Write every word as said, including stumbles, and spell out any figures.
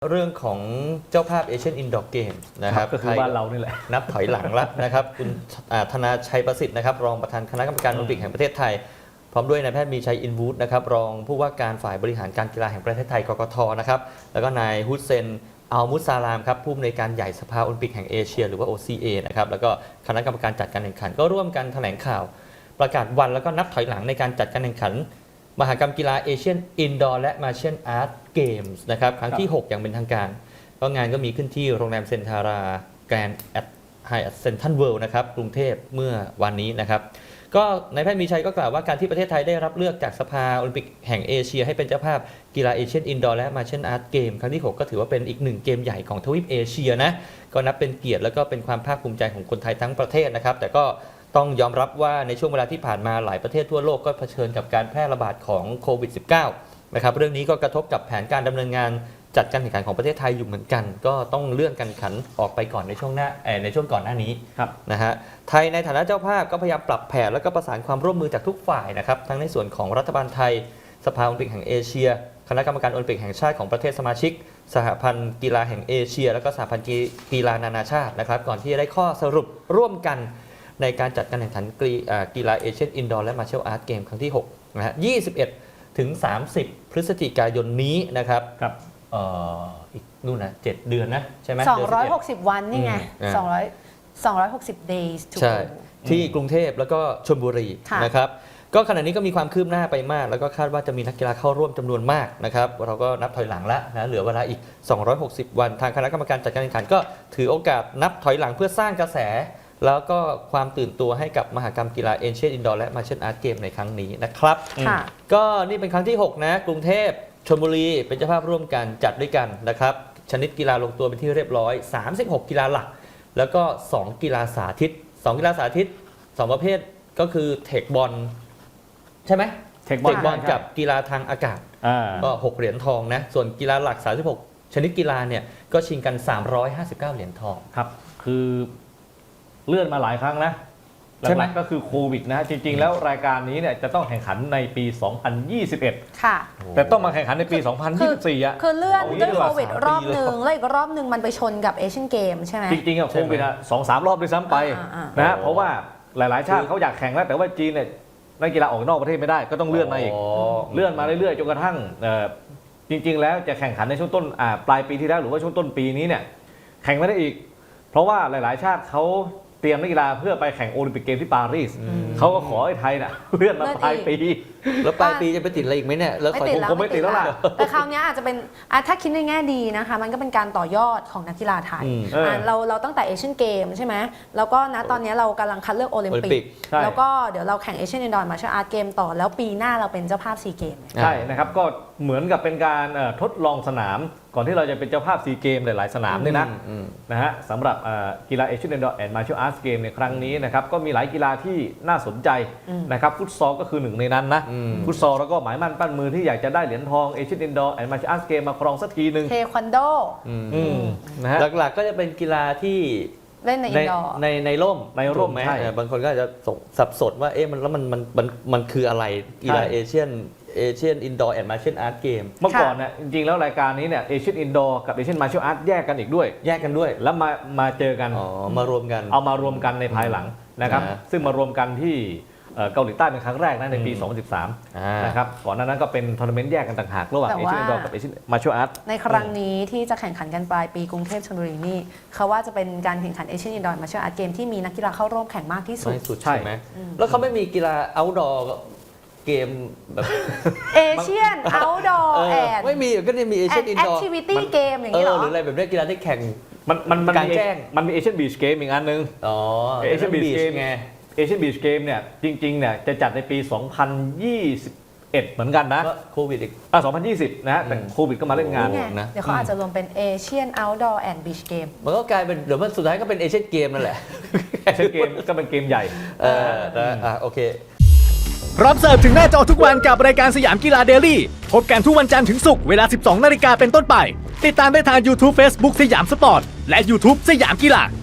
เรื่องของเจ้าภาพเอเชียนอินดอร์เกมนะครับก็คือบ้านเรานี่แหละนับถอยหลังแล้วนะครับคุณธนาชัยประสิทธิ์นะครับรองประธานคณะกรรมการโอลิมปิกแห่งประเทศไทยพร้อมด้วยนายแพทย์มีชัยอินวูดนะครับรองผู้ว่าการฝ่ายบริหารการกีฬาแห่งประเทศไทยกกทนะครับแล้วก็นายฮุสเซนอัลมุสซาลามครับผู้อำนวยการใหญ่สภาโอลิมปิกแห่งเอเชียหรือว่า โอ ซี เอ นะครับแล้วก็คณะกรรมการจัดการแข่งขันก็ร่วมกันแถลงข่าวประกาศวันแล้วก็นับถอยหลังในการจัดการแข่งขันมหกรรมกีฬาเอเชียนอินดอร์และมาร์เชียลอาร์ตเกมส์นะครับครั้งที่หกอย่างเป็นทางการก็งานก็มีขึ้นที่โรงแรมเซนทาราแกรนด์แอดไฮแอทเซนทันเวิลด์นะครับกรุงเทพเมื่อวันนี้นะครับก็นายแพทย์มีชัยก็กล่าวว่าการที่ประเทศไทยได้รับเลือกจากสภาโอลิมปิกแห่งเอเชียให้เป็นเจ้าภาพกีฬาเอเชียนอินดอร์และมาร์เชียลอาร์ตเกมครั้งที่หกก็ถือว่าเป็นอีกหนึ่งเกมใหญ่ของทวีปเอเชียนะก็นับเป็นเกียรติและก็เป็นความภาคภูมิใจของคนไทยทั้งประเทศนะครับแต่ก็ต้องยอมรับว่าในช่วงเวลาที่ผ่านมาหลายประเทศทั่วโลกก็เผชิญกับการแพร่ระบาดของโควิด สิบเก้า นะครับเรื่องนี้ก็กระทบกับแผนการดำเนินงานจัดการแข่งขันของประเทศไทยอยู่เหมือนกันก็ต้องเลื่อนการแข่งขันออกไปก่อนในช่วงหน้าในช่วงก่อนหน้านี้นะฮะไทยในฐานะเจ้าภาพก็พยายามปรับแผนและก็ประสานความร่วมมือจากทุกฝ่ายนะครับทั้งในส่วนของรัฐบาลไทยสภาโอลิมปิกแห่งเอเชียคณะกรรมการโอลิมปิกแห่งชาติของประเทศสมาชิกสหพันธ์กีฬาแห่งเอเชียและก็สหพันธ์กีฬานานาชาตินะครับก่อนที่จะได้ข้อสรุปร่วมกันในการจัดการแข่งขันกีฬาเอเชียนอินดอร์และมาร์เชียลอาร์ตเกมครั้งที่หกนะฮะยี่สิบเอ็ดถึงสามสิบพฤศจิกายนนี้นะครับครับเอ่ออีกนู่นนะเจ็ดเดือนนะใช่ไหมสองร้อยหกสิบวันนี่ไงสองร้อย สองร้อยหกสิบ days to go ใช่ที่กรุงเทพแล้วก็ชลบุรีนะครับก็ขณะนี้ก็มีความคืบหน้าไปมากแล้วก็คาดว่าจะมีนักกีฬาเข้าร่วมจำนวนมากนะครับเราก็นับถอยหลังแล้วนะเหลือเวลาอีกสองร้อยหกสิบวันทางคณะกรรมการจัดการแข่งขันก็ถือโอกาสนับถอยหลังเพื่อสร้างกระแสแล้วก็ความตื่นตัวให้กับมหกรรมกีฬาเอเชียนอินดอร์และมาร์เชียลอาร์ตเกมในครั้งนี้นะครับก็นี่เป็นครั้งที่หกนะกรุงเทพชลบุรีเป็นเจ้าภาพร่วมกันจัดด้วยกันนะครับชนิดกีฬาลงตัวเป็นที่เรียบร้อยสามสิบหกกีฬาหลักแล้วก็สองกีฬาสาธิตสองกีฬาสาธิตสองประเภทก็คือเทคบอลใช่ไหมเทคบอลกับกีฬาทางอากาศก็หกเหรียญทองนะส่วนกีฬาหลักสามสิบหกชนิดกีฬาเนี่ยก็ชิงกันสามร้อยห้าสิบเก้าเหรียญทองครับคือเลื่อนมาหลายครั้งนะหลักๆก็คือโควิดนะจริงๆแล้วรายการนี้เนี่ยจะต้องแข่งขันในปีสองพันยี่สิบเอ็ดค่ะแต่ต้องมาแข่งขันในปีสองพันยี่สิบสี่อ่ะคือเลื่อนด้วยโควิดรอบหนึ่งแล้วอีกรอบหนึ่งมันไปชนกับเอเชียนเกมใช่ไหมจริงๆอ่ะโควิดอ่ะสองสามรอบด้วยซ้ำไปนะเพราะว่าหลายๆชาติเขาอยากแข่งแล้วแต่ว่าจีนเนี่ยนักกีฬาออกนอกประเทศไม่ได้ก็ต้องเลื่อนมาอีกเลื่อนมาเรื่อยๆจนกระทั่งจริงๆแล้วจะแข่งขันในช่วงต้นปลายปีที่แล้วหรือว่าช่วงต้นปีนี้เนี่ยแข่งไม่ได้อีกเพราะว่าหลายๆชาติเขาเตรียมนักกีฬาเพื่อไปแข่งโอลิมปิกเกมที่ปารีสเขาก็ขอให้ไทยนะเลื่อนมาปลายปีแล้วปลายปีจะไปติดอะไรอีกไหมเนี่ยแล้วไม่ติดแล้วไม่ติดแล้วล่ะแต่คราวนี้อาจจะเป็นถ้าคิดในแง่ดีนะคะมันก็เป็นการต่อยอดของนักกีฬาไทยเราเราตั้งแต่เอเชียนเกมใช่ไหมแล้วก็ณตอนนี้เรากำลังคัดเลือกโอลิมปิกแล้วก็เดี๋ยวเราแข่งเอเชียนอินดอร์มาร์เชียลอาร์ตเกมต่อแล้วปีหน้าเราเป็นเจ้าภาพซีเกมใช่นะครับก็เหมือนกับเป็นการทดลองสนามก่อนที่เราจะเป็นเจ้าภาพซีเกมหลายๆสนามนี่นะนะฮะสำหรับกีฬาเอเชียนอินดอร์แอนด์มาร์เชียลอาร์ตเกมในครั้งนี้นะครับก็มีหลายกีฬาที่น่าสนใจนะครับฟุตซอลก็คือหนึ่งในนั้นนะฟุตซอลแล้วก็หมายมั่นปั้นมือที่อยากจะได้เหรียญทองเอเชียนอินดอร์แอนด์มาร์เชียลอาร์ตเกมมาครองสักทีหนึ่งเทควันโดนะฮะหลักๆก็จะเป็นกีฬาที่เล่นในอินดอร์ในในร่มในร่มไหมบางคนก็อาจจะสับสนว่าเอ๊ะมันแล้วมันมันมันมันคืออะไรกีฬาเอเชียนเอเชียนอินดอร์แอนด์มาร์เชียลอาร์ตเกมเมื่อก่อนเนี่ยจริงๆแล้วรายการนี้เนี่ยเอเชียนอินดอร์กับเอเชียนมาร์เชียลอาร์ตแยกกันอีกด้วยแยกกันด้วยแล้วมามาเจอกันอ๋อมารวมกันเอามารวมกันในภายหลังนะครับซึ่งมารวมกันที่เกาหลีใต้เป็นครั้งแรกนะในปีสองพันสิบสามนะครับก่อนหน้านั้นก็เป็นทัวร์นาเมนต์แยกกันต่างหากระหว่างเอเชียนอินดอร์กับเอเชียนมาร์เชียลอาร์ตในครั้งนี้ที่จะแข่งขันกันปลายปีกรุงเทพชลบุรีนี่เขาว่าจะเป็นการแข่งขันเอเชียนอินดอร์มาร์เชียลอาร์ตเกมที่มีนักกีฬาเข้าร่วมแข่งมากที่สุดใช่ไหมแล้วเขาไม่มีกีฬาเอาท์ดอร์เกมแบบเอเชียนเอาท์ดอร์แอนด์ไม่มีก็จะมีเอเชียนอินดอร์แอคทิวิตี้เกมอย่างนี้หรอหรืออะไรแบบนี้กีฬาที่แข่งมันมันมันการแจ้งมันมีเอเชียนบีชเกมอีกอันนึงอ๋อเอเชียนบีชเกมไงเอเชียนบีชเกมเนี่ยจริงๆเนี่ยจะจัดในปีสองพันยี่สิบเอ็ดเหมือนกันนะโควิดอีกอ่ะสองพันยี่สิบนะแต่โควิดก็มาเล่นงานนะเดี๋ยวเขาอาจจะรวมเป็นเอเชียนเอาท์ดอร์แอนด์บีชเกมมันก็กลายเป็นเดี๋ยวมันสุดท้ายก็เป็นเอเชียนเกมนั่นแหละเอเชียนเกมก็เป็นเกมใหญ่เอออ่ะโอเคพร้อมเสิร์ฟถึงหน้าจอทุกวันกับรายการสยามกีฬาเดลี่พบกันทุกวันจันทร์ถึงศุกร์เวลา สิบสองนาฬิกาเป็นต้นไปติดตามได้ทาง YouTube Facebook สยามสปอร์ตและ YouTube สยามกีฬา